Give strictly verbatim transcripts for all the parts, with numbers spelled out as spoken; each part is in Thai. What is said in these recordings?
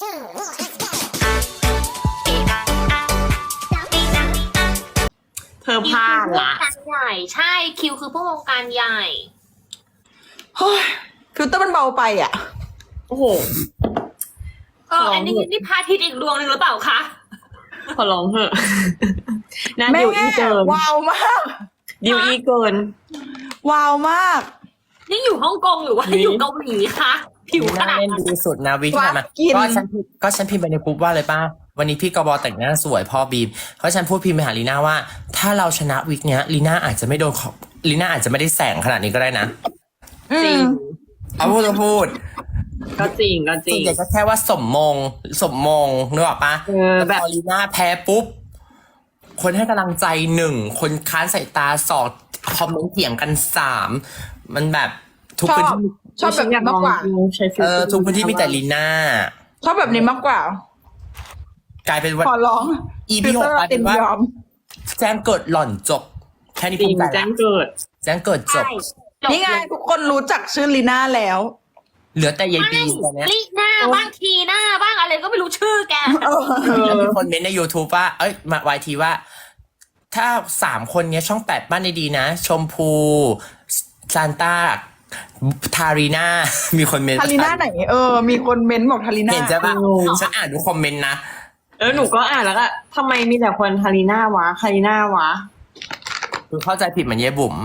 เธอพลาดละการใหญ่ใช่คิวคือผู้วงการใหญ่เฮ้ยฟิลเตอร์มันเบาไปอ่ะโอ้โหเอออันนี้นี่พระอาทิตย์อีกดวงหนึ่งหรือเปล่าคะขอร้องเถอะน่าแม่ดิวอีเกินว้าวมากดิวอีเกินว้าวมากนี่อยู่ฮ่องกงหรือว่านี่อยู่เกาหลีคะผิวขนาดเล่นนั้นดีสุดนะวิกที่ผ่านมากินก็ฉันพิมพ์ก็ฉันพิมพ์ไปในกรุ๊ปว่าเลยป้าวันนี้พี่กบแต่งหน้าสวยพ่อบีมเพราะฉันพูดพิมพ์ไปหาลีน่าว่า ถ้าเราชนะวิกเนี้ยลีน่าอาจจะไม่โดนของลีน่าอาจจะไม่ได้แสงขนาดนี้ก็ได้นะจริงเอาพูดก็พูดก็จริงก็จริส่วนงใหญ่ก็แค่ว่าสมมงสมมงนึกออกปะเออแบบพอลีน่าแพ้ปุ๊บคนให้กำลังใจหนึ่งคนค้านสายตาสองคอมเมนต์เถียงกันสามมันแบบทุกชอพื้นบที่ชอบแบบนี้มากกว่าใช้ฟิลเอตอร์ทุกพื้นที่มีแต่ลีน่าชอบแบบนี้มากกว่ากลายเป็นว่าขอร้องอีพีหกกลายเป็นว่ายอมแจ้งเกิดหล่อนจบ แค่นี้จริภูงมิใจแจ้ละงเกิดแจ้งเกิดจบใช่จบนี่ไงทุกคนรู้จักชื่อลีน่าแล้วเหลือแต่ยายไม่บีตอนเนี้ยลิหน้าบ้างทีหน้าบ้างอะไรก็ไม่รู้ชื่อแกเออแล้วมีคนเม้นต์ใน YouTube ว่า เอ้ยมาวายทีว่า ถ้าสามคนเนี้ยช่องแปดบ้านดีๆนะ ชมพูซานต้าทารีนามีคนเม้นต์ทาริน่าไหน เออ มีคนเม้นบอกทาริน่าเห็นใช่ปะฉันอ่านดูคอมเมนต์นะเออหนูก็อ่านแล้วก็ทำไมมีแต่คนทารีน่าวะทารีน่าวะคือเข้าใจผิดเหมือนยายบุ๋ม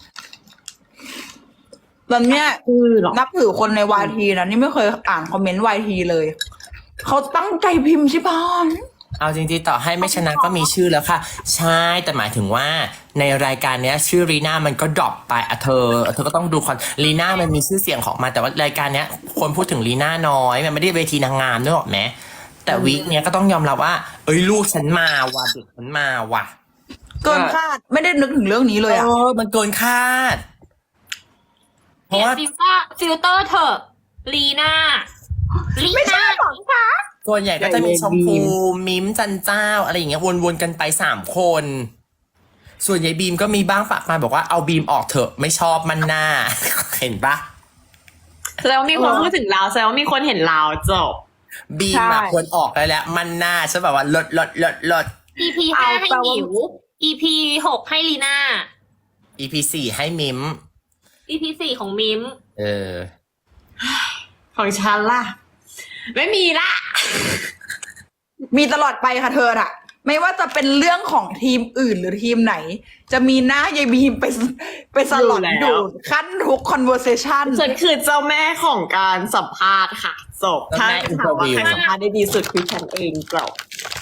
ตอนเนี้ยคือหรอนับถือคนในวายทีนะนี่ไม่เคยอ่านคอมเมนต์วายทีเลย เขาตั้งใจพิมพ์ชิบอนเอาจริงๆต่อให้ไม่ชนะก็มีชื่อแล้วค่ะ ใช่แต่หมายถึงว่าในรายการเนี้ย ชื่อรีน่ามันก็ดรอปไปอะเธอ เธอก็ต้องดูคอนรีน่ามันมีชื่อเสียงของมาแต่ว่ารายการเนี้ย คนพูดถึงรีน่าน้อยมันไม่ได้เวทีนางงามนึกออกไหมแต่วีคเนี้ยก็ต้องยอมรับว่า เอ้ยลูกฉันมาว่ะเด็กฉันมาว่ะเกินคาดไม่ได้นึกถึงเรื่องนี้เลยเออ่ะอมันเกินคาด เพเปลี่ราะยนว่าฟิลเตอร์ฟิลเตอร์เถอะลีน่าลีไม่ใช่น่าหรอกคะส่วนใหญ่ก็จะมีชมพูมิมจันเจ้าอะไรอย่างเงี้ยวนๆกันไปสามคน ส่วนยายบีมก็มีบ้างฝากมาบอกว่าเอาบีมออกเถอะไม่ชอบมันหน้า เห็นปะแสดงว่ามีคนพูดถึงเราแสดงว่ามีคนเห็นเราจบบีมใช่อะควรออกได้แล้ว มันหน้าฉันแบบว่าลดลดลดลดอีพีห้าให้เอาแปลว่าหิว อีพีหกให้ลีน่าอีพีสี่ให้มิมอีพีสี่ของมิมเออของฉันล่ะ ไม่มีละมีตลอดไปค่ะเธออะไม่ว่าจะเป็นเรื่องของทีมอื่นหรือทีมไหน จะมีหน้ายายบีมไปไปสลอนอยู่แล้วดูดขั้นทุก conversation ฉันคือเจ้าแม่ของการสัมภาษณ์ค่ะจบเจ้าถ้าแม่ถามว่า interview ใครสัมภาษณ์ได้ดีสุดคือฉันเองจบ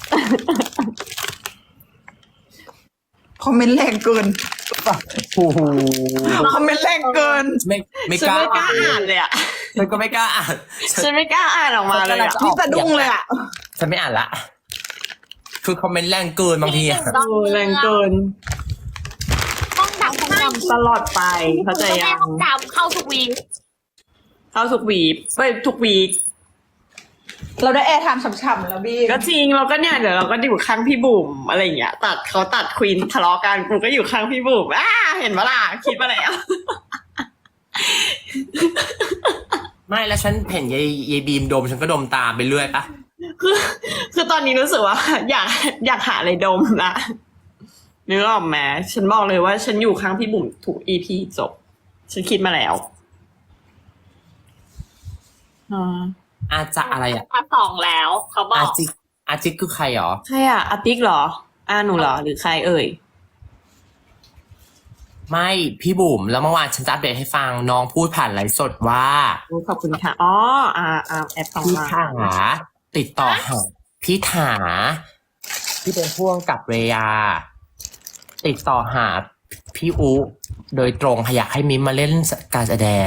คอมเมนต์แรงเกินโอ้โหคอมเมนต์แรงเกินไม่ไม่ฉันกล้าไม่กล้าอ่านเลยอ่ะฉันก็ไม่กล้าอ่านฉันไม่กล้าอ่านออกมาเลยอ่ะนี่สะดุ้งเลยอ่ะฉันไม่อ่านละ คือคอมเมนต์แรงเกินบางทีอะโอ้แรงเกินต้องดับให้ทำตลอดไปเข้าใจแม่ยังต้องดับเข้าทุกวีคเข้าทุกวีคไปทุกวีคเราได้แอร์ไทม์ฉ่ำๆแล้วบีก็จริงเราก็เนี่ยเดี๋ยวเราก็อยู่ข้างพี่บุ๋มอะไรอย่างเงี้ยตัดเขาตัดควีนทะเลาะกันกูก็อยู่ข้างพี่บุ๋มอ่าเห็นปะล่ะคิดมาแล้วไม่แล้วฉันเห็นยายยายบีมดมฉันก็ดมตามไปเรื่อยปะคือคือตอนนี้รู้สึกว่า อยากอยากหาอะไรดมละนึกออกไหมฉันบอกเลยว่าฉันอยู่ข้างพี่บุ๋มถูกอีพีจบ ฉันคิดมาแล้วอ่าอาจะอะไรอะมาสองแล้วเขาบออาก จิกอาจิกคือใครหรอใครอ่ะอาติ๊กเหรออาหนูเหรอหรือใครเอ่ยไม่พี่บุ๋มแล้วเมื่อวานฉันจะอัปเดตให้ฟังน้องพูดผ่านไลฟ์สดว่าขอบคุณค่ะอ๋ออ่าอ่าแอปของพี่มาถาติดต่อหาพี่ถาที่เป็นพ่วงกับเรยา ติดต่อหาพี่อุโดยตรงอยากให้มิมมาเล่นการแสดง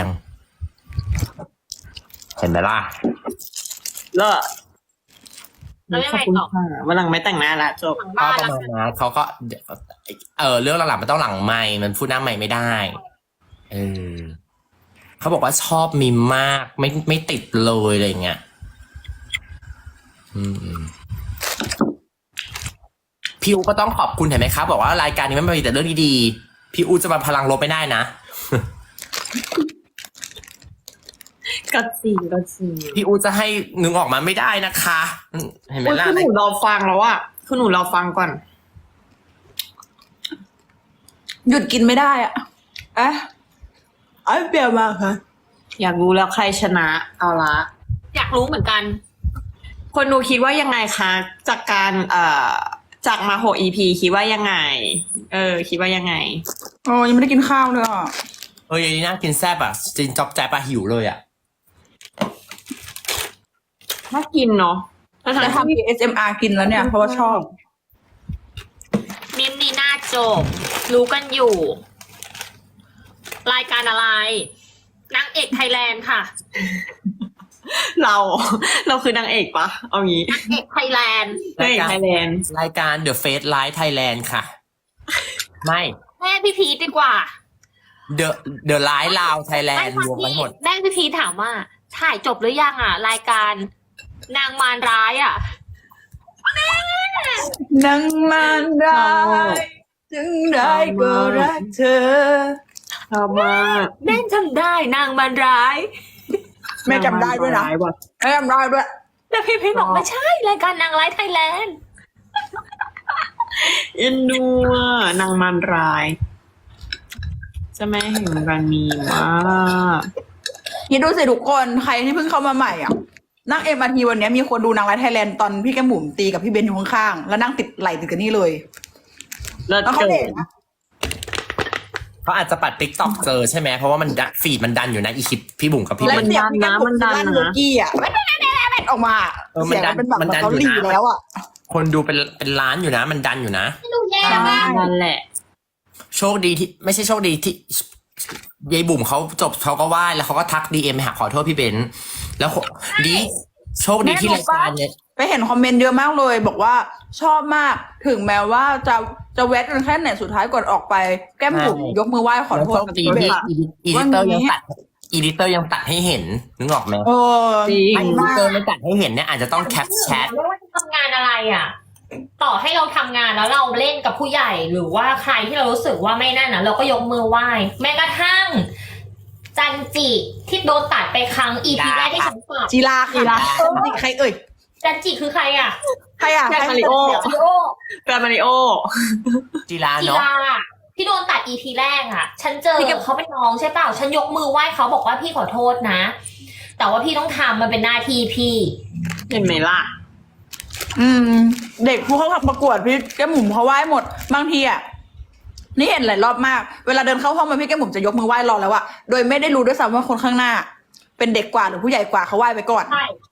เห็นไหมล่ะเลิศแล้วยังขอบไงคุณต่อค่ะวันหลังไม่แต่งหน้าละจบหลังก็บ้านประแล้วมาณนั้นเขาก็เออเรื่องหลังๆมันต้องหลังไมค์มันพูดหน้าไมค์ไม่ได้เออเขาบอกว่าชอบมิมมากไม่ไม่ติดเลยอะไรเงี้ยอืมพี่อูก็ต้องขอบคุณเห็นไหมครับบอกว่ารายการนี้มันมีแต่เรื่องดีๆพี่อูจะมาพลังลบไม่ได้นะก็จริงก็จริงพี่อูจะให้นึงออกมาไม่ได้นะคะเห็นไหมอุ๊ยล่ะคือหนูรอฟังแล้วอะคือหนูรอฟังก่อนหยุดกินไม่ได้อ่ะเอ๊ะไอ้เปรี้ยวมากค่ะอยากรู้แล้วใครชนะ เอาละอยากรู้เหมือนกันคนดูคิดว่ายังไงคะ จากการเอ่อจากมาหก อี พี คิดว่ายังไง เออ คิดว่ายังไงโอ้ยังไม่ได้กินข้าวเลยอ่ะเอออย่างนี้น่ากินแซ่บอ่ะจินจอบใจปลาหิวเลยอ่ะถ้ากินเนาะถ้าจะทำทำ เอ เอส เอ็ม อาร์ กินแล้วเนี่ย เพราะว่าชอบมิมนีน่าโจบรู้กันอยู่ รายการอะไรนางเอกไทยแลนด์ค่ะเรา เราคือนางเอกปะเอางี้นางเอกไทยแลนด์นางเอกไทยแลนด์รายการ The Face Live Thailand ค่ะ ไม่แม่พี่พีทดีกว่า The The Live Lao Thailand รวมกันหมดแม่พี่พีทถามว่า ถ่ายจบหรือยังอ่ะ รายการนางมารร้ายอ่ะนังมันได้จึงได้ก็รักเธอชอบมากแม่จำได้นางมารร้ายแม่จำได้ด้วยนะร้าว่แม่จำได้ด้วยแต่พี่พีทบอกไม่ใช่ รายการนางร้ายไทยแลนด์เอ็นดูอะนางมันราย จะแม่แห่งรันมีมากคิดดูสิทุกคนใครที่เพิ่งเข้ามาใหม่อ่ะนั่งเอ็มอาร์ทีวันนี้มีคนดูนางร้ายไทยแลนด์ตอนพี่แกมบุ๋มตีกับพี่เบนอยู่ข้างๆแล้วนั่งติดไหลติดกันนี่เลยเลิศแล้วเขาเกิเด็กนนะเขาอาจจะปัดติ๊กต็อกเจอใช่ไหมเพราะว่ามันดันฟีดมันดันอยู่นะอีคลิปพี่บุ๋มกับพี่และเบนเสียงพี่แกมบุ๋มลั่นโลกี้อ่ะแม่แม่แม่แม่ออกมาเออมันเสียงดัมัน นเป็นแบบมันดันเขาอยู่หลีนะแล้วอ่ะคนดูเป็นเป็นล้านอยู่นะ มันดันอยู่นะดูแย่ใช่มากนั่นแหละโชคดีที่ไม่ใช่โชคดีที่ยายบุ๋มเขาจบเขาก็ไหว้แล้วเขาก็ทักดีเอ็มหาขอโทษพี่เบนแล้วดีโชคดีที่รายการเนี่ยไปเห็นคอมเมนต์เยอะมากเลย บอกว่าชอบมากถึงแม้ว่าจะจะแวะกันแค่ไหนสุดท้ายก่อนออกไปแก้มบุ๋มยกมือไหว้ขอแล้วโทโชษคดีที่อีดิเตอร์ยังตัดอีดิเตอร์ยังตัดให้เห็นนึกออกไหมโอ้จริงถ้าอีดิเตอร์ไม่ตัดให้เห็นเนี่ยอาจจะต้องแคปแชทไม่ว่าจะทำงานอะไรอ่ะ ต่อให้เราทำงานแล้วเราเล่นกับผู้ใหญ่หรือว่าใครที่เรารู้สึกว่าไม่นั่นนะเราก็ยกมือไหว้แม้กระทั่ง จันจิที่โดนตัดไปครั้งอีพีแรกที่ฉันฝากจีราค่ะจีใครเอ่ยจันจิคือใครอ่ะใครอ่ะแฟนใครมาริโอจิโอแฟนมาริโอจีราจีเนาะราที่โดนตัดอีพีแรกอ่ะ ฉันเจอเขาเป็นน้องใช่เปล่าฉันยกมือไหว้เขาบอกว่าพี่ขอโทษนะ แต่ว่าพี่ต้องทำมันเป็นหน้าที่พี่เห็นไหมล่ะอืม เด็กผู้เข้าประกวดพี่แก้มบุ๋มเขาไหว้หมดบางทีอ่ะนี่เห็นหลายรอบมากเวลาเดินเข้าห้องมาพี่แก้มบุ๋มจะยกมือไหว้รอแล้วอะโดยไม่ได้รู้ด้วยซ้ำว่าคนข้างหน้า เป็นเด็กกว่าหรือผู้ใหญ่กว่าเขาไหว้ไปก่อนใช่